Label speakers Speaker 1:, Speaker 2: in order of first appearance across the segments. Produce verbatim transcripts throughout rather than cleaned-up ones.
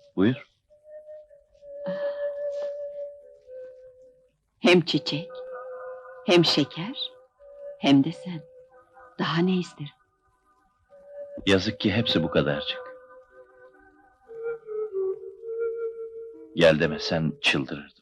Speaker 1: Buyur.
Speaker 2: Hem çiçek, hem şeker, hem de sen. Daha ne isterim?
Speaker 1: Yazık ki hepsi bu kadarcık. Gel demesen çıldırırdım.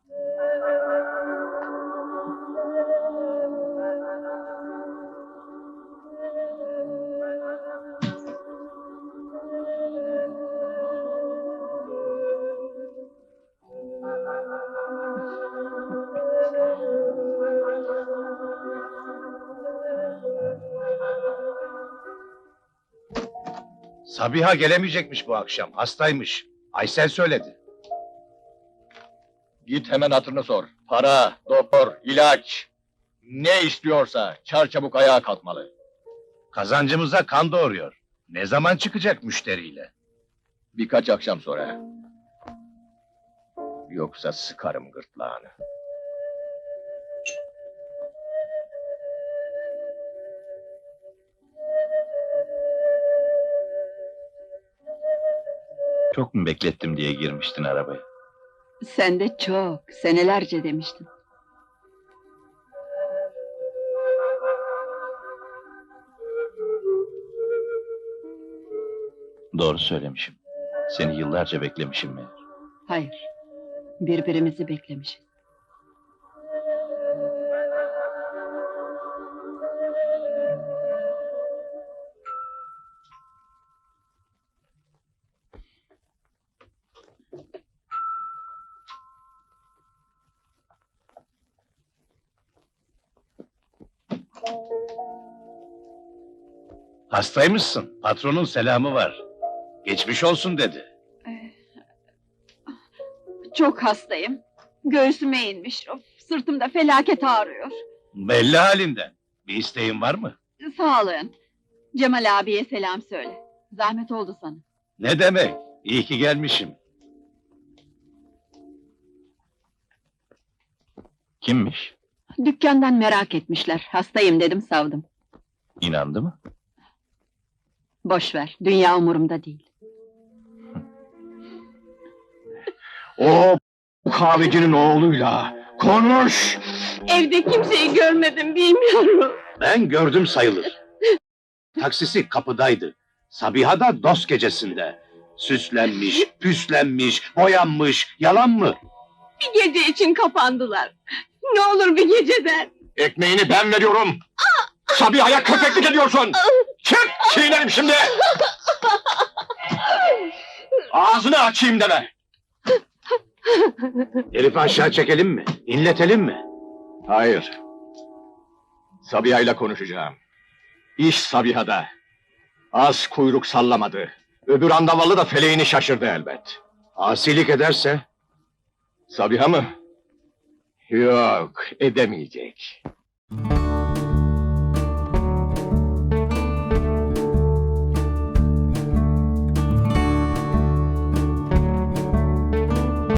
Speaker 3: Sabiha gelemeyecekmiş bu akşam, hastaymış. Aysel söyledi.
Speaker 4: Git hemen hatırını sor. Para, doktor, ilaç... Ne istiyorsa çarçabuk ayağa kalkmalı.
Speaker 3: Kazancımıza kan doğuruyor. Ne zaman çıkacak müşteriyle?
Speaker 4: Birkaç akşam sonra. Yoksa sıkarım gırtlağını.
Speaker 1: Çok mu beklettim diye girmiştin arabaya?
Speaker 2: Sen de çok, senelerce demiştin.
Speaker 1: Doğru söylemişim. Seni yıllarca beklemişim meğer.
Speaker 2: Hayır, birbirimizi beklemişiz.
Speaker 3: Hastaymışsın, patronun selamı var. Geçmiş olsun dedi.
Speaker 2: Çok hastayım. Göğsüme inmiş, of, sırtımda felaket ağrıyor.
Speaker 3: Belli halinden. Bir isteğin var mı?
Speaker 2: Sağlığın. Cemal abiye selam söyle. Zahmet oldu sana.
Speaker 3: Ne demek? İyi ki gelmişim.
Speaker 1: Kimmiş?
Speaker 2: Dükkandan merak etmişler. Hastayım dedim, savdım.
Speaker 1: İnandı mı?
Speaker 2: Boş ver, dünya umurumda değil.
Speaker 4: O kahvecinin oğluyla konuş!
Speaker 2: Evde kimseyi görmedim, bilmiyorum.
Speaker 3: Ben gördüm sayılır. Taksisi kapıdaydı. Sabiha da dost gecesinde. Süslenmiş, püslenmiş, boyanmış. Yalan mı?
Speaker 2: Bir gece için kapandılar. Ne olur bir geceden.
Speaker 4: Ekmeğini ben veriyorum! Sabiha'ya köpeklik ediyorsun! Çık! Çiğnerim şimdi! Ağzını açayım deme!
Speaker 3: Herifi aşağı çekelim mi? İnletelim mi?
Speaker 4: Hayır. Sabiha'yla konuşacağım. İş Sabiha'da. Az kuyruk sallamadı. Öbür andavallı da feleğini şaşırdı elbet.
Speaker 3: Asilik ederse?
Speaker 4: Sabiha mı? Yok, edemeyecek.